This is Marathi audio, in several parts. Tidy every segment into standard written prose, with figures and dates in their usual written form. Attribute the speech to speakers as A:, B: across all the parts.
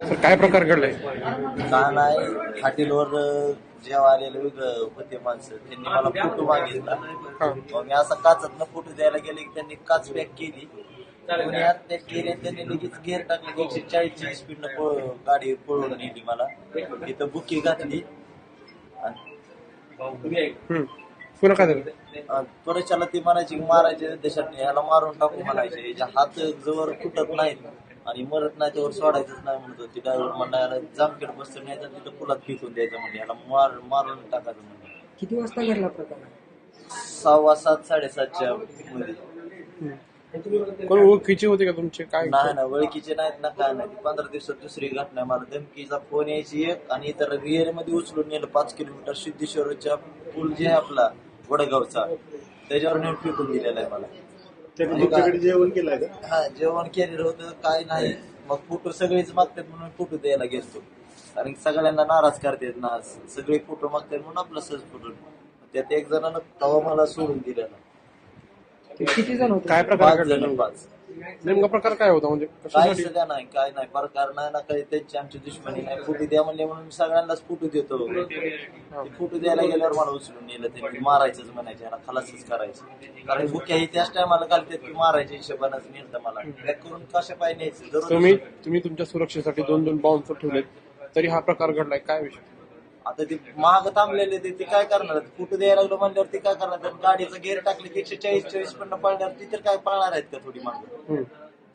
A: सर काय प्रकार घडलाय?
B: का नाही हॉटेलवर जेव्हा आलेले होते माणसं त्यांनी मला फोटो मागितला. मग मी असा काचातनं फोटो द्यायला गेले की त्यांनी काच पॅक केली. कोणी आत पॅक केली त्यांनी लगेच गेअर टाकले की 140 स्पीडनं गाडी पळवून नेली मला. इथं बुकी घातली
A: पुन्हा काय झालं?
B: त्वरेच्याला ती म्हणायची की मारायचे देशात ह्याला मारून टाकू म्हणायचे. याच्या हात जवळ फुटत नाहीत आणि मरत नाही त्यावर सोडायचंच नाही म्हणत होती. ड्रायव्हर म्हणायला जामखेड बसतं नाही तर तिथं पुलात फेकून द्यायचं म्हणजे याला मारून टाकायचं म्हणजे.
C: किती वाजता घडला प्रकार?
B: 6:15 7:30च्या मध्ये.
A: कोण ओळखीचे होते का तुमचे? काय
B: नाही ना ओळखीचे नाहीत ना काय नाही. 15 दिवसात दुसरी घटना. मला धमकीचा फोन यायची एक आणि इतर रिअर मध्ये उचलून नेलं 5 किलोमीटर सिद्धेश्वरच्या पूल जे आहे आपला वडगावचा त्याच्यावर नेऊन फेकून दिलेला आहे मला.
D: जेवण केलंय का?
B: हा जेवण केलेलं होतं काय नाही. मग फोटो सगळेच मागतात म्हणून फोटो द्यायला गेलतो. कारण सगळ्यांना नाराज करतात ना सगळे फोटो मागतात म्हणून आपला सहज फोटो. त्यात एक जणांना तवा मला सोडून दिलेला.
C: किती जण होते?
A: काय प्रकार
B: 5 जण
A: घडला?
B: 5.
A: नेमका प्रकार काय होता म्हणजे
B: काय
A: कशासाठी?
B: सगळ्या नाही काय नाही प्रकार नाही ना काही त्यांची आमची दुश्मनी नाही. फोटो द्या म्हणले म्हणून मी सगळ्यांनाच फोटो देतो. फोटो द्यायला गेल्यावर मला उचलून नेलं त्यांनी. मारायचंच म्हणायचे याला खलासच करायचं. कारण बुक्या ही त्याच टायमाला घालतात की मारायच्या हिशोबानंच नेलं मला. बॅक करून कशा पाय न्यायचं.
A: तुम्ही तुमच्या सुरक्षेसाठी 2 बाउन्सर ठेवलेत तरी हा प्रकार घडलाय, काय विषय?
B: आता ते महाग थांबलेले ते काय करणार? फोटो द्यायला लागलो म्हणल्यावर ते काय करणार? गाडीचं गेअर टाकले की 140 पण पळणार ती तर काय पळणार आहेत का थोडी मागं?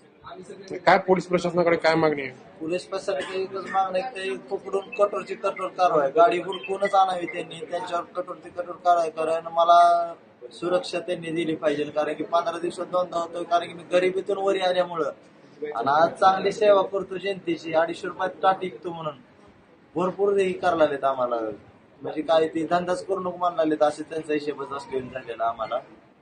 A: काय पोलीस प्रशासनाकडे काय मागणी आहे?
B: पोलीस प्रशासनाची एकच मागणं आहे की पकडून कठोरची कठोर कारवाई. गाडी हुडकूनच आणावी त्यांनी. त्यांच्यावर कठोरची कठोर कारवाई कारण मला सुरक्षा त्यांनी दिली पाहिजे. कारण की 15 दिवसात 2दा होतोय. कारण की मी गरिबीतून वरी आल्यामुळं आणि आज चांगली सेवा करतो जनतेची. 250 रुपयात टाट विकतो म्हणून भरपूर हे करायला लागलेत आम्हाला. म्हणजे काय ते धंदाच करू नको म्हणायला लागलेत असे त्यांचा हिशेबच असतो झालेला आम्हाला.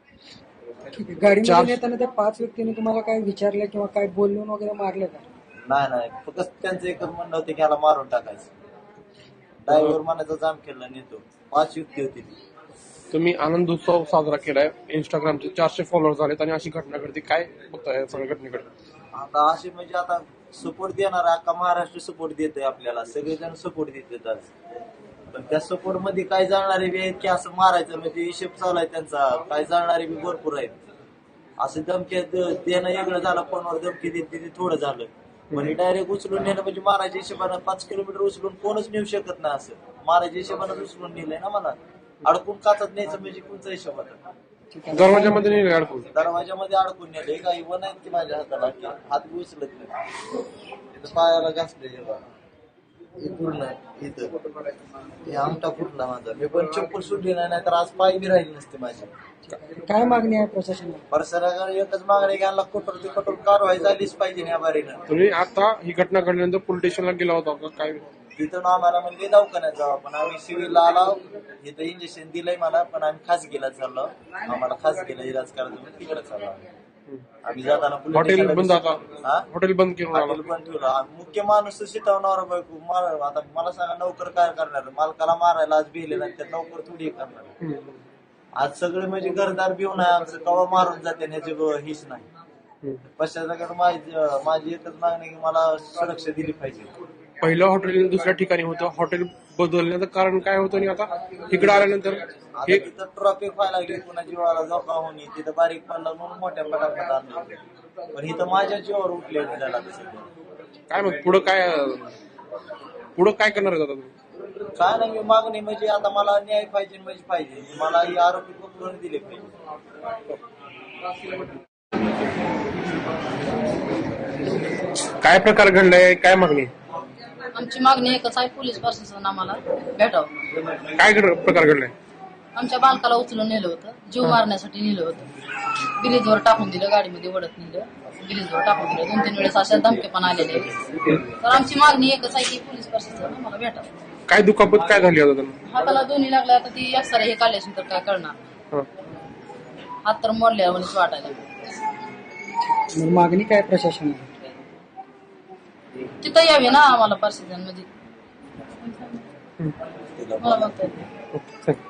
C: गाडीमध्ये नेताना त्या 5 व्यक्तीने तुम्हाला काय विचारलं किंवा काय बोलून वगैरे मारलं का?
B: नाही फक्त त्यांचं एकच म्हणणं होतं की ह्याला मारून टाकायचं. ड्रायव्हर म्हणायचा जाम केला नेतो. 5 युक्ती होती ती.
A: तुम्ही आनंद उत्सव साजरा केलाय, इंस्टाग्रामचे 400 फॉलोअर झालेत आणि अशी घटना घडते, काय बघताय या सगळ्या घटनेकडे?
B: आता असे म्हणजे आता सपोर्ट देणार अख्खा महाराष्ट्र सपोर्ट देतोय आपल्याला. सगळेजण सपोर्ट देतात आज. पण त्या सपोर्ट मध्ये काय जाणारे बी आहेत की असं मारायचं म्हणजे हिशेब चालू आहे त्यांचा. काय जाणारे बी भरपूर आहेत. असं धमकी देणं वेगळं झालं. फोनवर धमकी देते ते थोडं झालं. म्हणजे डायरेक्ट उचलून नेलं म्हणजे मारायच्या हिशोबानं 5 किलोमीटर उचलून कोणच नेऊ शकत नाही. असं मारायच्या हिशोबानं उचलून नेलंय ना मला. अडकून काचत न्यायचं म्हणजे कोणचा हिशोब आता?
A: दरवाजामध्ये नाही अडकून?
B: दरवाजामध्ये अडकून नेले. काही वन आहेत की माझ्या हाताला की हात बी उचलत नाही. इथं पायाला घासले हे पूर्ण इथं हे आमटा फुटला माझा. मी पण चप्पल सुटली नाही तर आज पाय बी राहिली नसते माझी.
C: काय मागणी आहे प्रशासनाला?
B: परसराकडे एकच मागणी घ्यायला कठोर ते कठोर कारवाई झालीच पाहिजे या बारीनं.
A: तुम्ही आता ही घटना घडल्यानंतर पोलीस स्टेशनला गेला होता का? काय
B: तिथून आम्हाला म्हणजे दवाखान्यात जावं पण आम्ही सिव्हिलला आलो. इथं इंजेक्शन दिलंय मला पण आम्ही खासगीला चाललो. आम्हाला खासगीला इलाज करायचं म्हणून तिकडे चाललो आम्ही जाताना.
A: हॉटेल बंद? आता हॉटेल बंद केलं?
B: हॉटेल बंद ठेवलं. मुख्य माणूस शिटवणार बायको. आता मला सांगा नोकर काय करणार? मालकाला मारायला आज भिले नाही तर नोकर थोडी करणार. आज सगळे म्हणजे घरदार भिवून आहे आमचं. कवा मारून जाते ह्याची हीच नाही. पश्चात माझी एकच मागणी की मला सुरक्षा दिली पाहिजे.
A: पहिलं हॉटेल दुसऱ्या ठिकाणी होतं. हॉटेल बदलण्याचं कारण काय होतं आणि आता इकडे आल्यानंतर
B: तिथं ट्रॉफिक व्हायला लागली. पुन्हा जीवाला धोका होणे. तिथं बारीक पडला म्हणून मोठ्या पटापट आणलं. पण इथं माझ्या जीवावर उठले झाला.
A: काय मग पुढं काय करणार आहे आता तुम्ही?
B: काय नाही मी मागणी म्हणजे आता मला न्याय पाहिजे म्हणजे पाहिजे. मला ही आरोपी पकडून दिले पाहिजे.
A: काय प्रकार घडलाय, काय मागणी?
E: आमची मागणी एकच आहे, पोलीस प्रशासन आम्हाला भेटावं.
A: काय प्रकार घडलाय?
E: आमच्या बालकाला उचलून नेलं होतं. जीव मारण्यासाठी नेलं होतं. ब्रिजवर टाकून दिलं. गाडीमध्ये ओढत नेलं. ब्रिजवर टाकून दिलं. 2-3 वेळेस अशा धमके पण आलेले. तर आमची मागणी एकच आहे की पोलीस प्रशासन आम्हाला भेटावं.
A: काय दुखापत काय झाली आता त्यांना?
E: हाताला दोन्ही लागल्या. आता ती एक्सरे हे काढल्याशिवाय तर काय करणार? हात तर मोडल्या म्हणजे वाटायला.
C: मागणी काय प्रशासनाला?
E: तिथं यावी ना आम्हाला प्रशासन म्हणजे मला बघता येत नाही.